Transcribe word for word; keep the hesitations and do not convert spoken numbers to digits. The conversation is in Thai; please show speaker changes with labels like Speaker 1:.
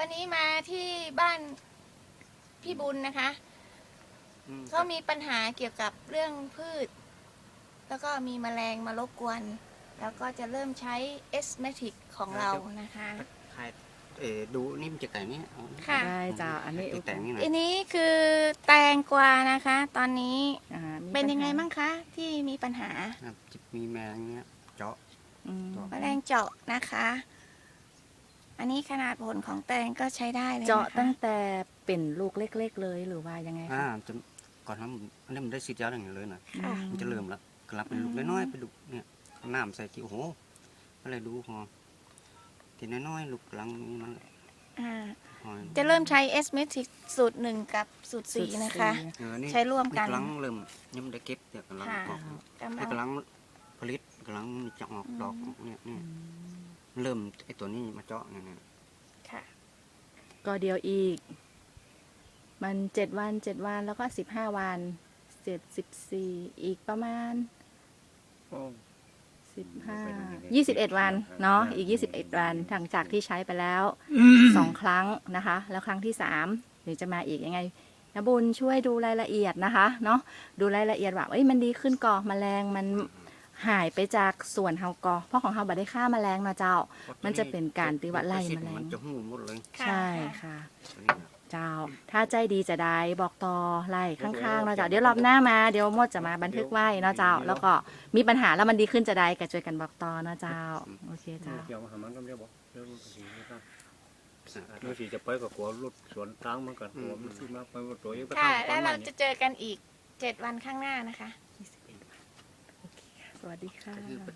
Speaker 1: วันนี้มาที่บ้านพี่บุญนะคะเขามีปัญหาเกี่ยวกับเรื่องพืช แล้วก็มีแมลงมารบกวน แล้วก็จะเริ่มใช้เอสเมทิกของเรานะคะ
Speaker 2: ใครเออดูนี่มันจะแต่งนี้
Speaker 1: ค่ะ
Speaker 3: ได้จ้าอันนี้
Speaker 2: แต่งนี่หน่อย
Speaker 1: อันนี้คือแตงกวานะคะ ตอนนี้
Speaker 3: อ่ามี
Speaker 1: เป็นยังไง
Speaker 3: ปัญหา
Speaker 1: บ้างคะที่มีปัญหา
Speaker 2: ครับจะมีแมงเนี้ยเจาะ
Speaker 3: อืม
Speaker 1: แมลงเจาะนะคะ อันนี้ขนาดผลของแตงก็ใช้ได้เลยนะคะ
Speaker 3: เจาะตั้งแต่เป็นลูกเล็กๆเลยหรือว่ายังไง
Speaker 2: อ่า
Speaker 3: คะ
Speaker 2: จะก่อนทำอันนี้มันได้ซีดยาอย่างนี้เลยนะ
Speaker 1: ค่ะ
Speaker 2: มันจะเริ่มแล้วกลับเป็นลูกน้อยๆไปลูกเนี่ยน้ำใส่กี่โอ้โหอะไรดูพอทีน้อยๆลูกกำลังนี่มัน
Speaker 1: อ่า
Speaker 2: พอ
Speaker 1: จะเริ่มใช้เอสเมทิกสูตรหนึ่งกับสูตรสี่นะคะ
Speaker 2: เออนี่
Speaker 1: ใช้ร่วมกัน
Speaker 2: กำลังเริ่มยังไม่ได้เก็บเนี่ยกำลัง
Speaker 1: ค่ะ
Speaker 2: ออก
Speaker 1: กำลั
Speaker 2: เนี่ย
Speaker 1: ง
Speaker 2: กำลังผลิตกำลังจะออกดอกเนี่ยเนี่ยเริ่มไอตัวนี้มาเจาะเนี่ยเนี่ย
Speaker 1: ค่ะ
Speaker 3: ก็เดียวอีก มันเจ็ดวันเจ็ดวันแล้วก็สิบห้าวันเจ็ดสิบสี่อีกประมาณสิบห้ายี่สิบเอ็ดวันเนาะอีกยี่สิบเอ็ดวันหลังจากที่ใช้ไปแล้วสองครั้งนะคะ แล้วครั้งที่สามเดี๋ยวจะมาอีกยังไงนะบุญช่วยดูรายละเอียดนะคะเนาะดูรายละเอียดว่าเอ้ยมันดีขึ้นก่อแมลงมันหายไปจากส่วนเฮากอเพราะของเฮาบัได้ฆ่าแมลงนะเจ้า มันจะเป็นการตีว่าไล่แมลง
Speaker 2: มันจะหูหมดเลย
Speaker 1: ค่ะ
Speaker 3: ใช่ค่ะ
Speaker 2: ตัวนี้นะ
Speaker 3: เจ้า ถ้าใจดีจะได้บอกต่อไล่ข้างๆเนาะเจ้าเดี๋ยวรอบหน้ามาเดี๋ยวมดจะมาบันทึกไว้เนาะเจ้า แล้วก็มีปัญหาแล้วมันดีขึ้นจะได้ก็ช่วยกันบอกต่อเนาะเจ้าโอเคเจ้า
Speaker 4: เกี่ยวกับหามันก็ไม่ได้บอกเรื่องสีนะครับเรื่องสีจะไปกับหัวรถสวนตั้งมันกันหัวมันซื้อมาไปว่าตัวเองไป
Speaker 1: ค่ะ
Speaker 4: ทำ
Speaker 1: แล้วเรา
Speaker 4: น
Speaker 1: จะเจอกันอีกเจ็ดวันข้างหน้านะคะ
Speaker 3: สวัสดีค่ะ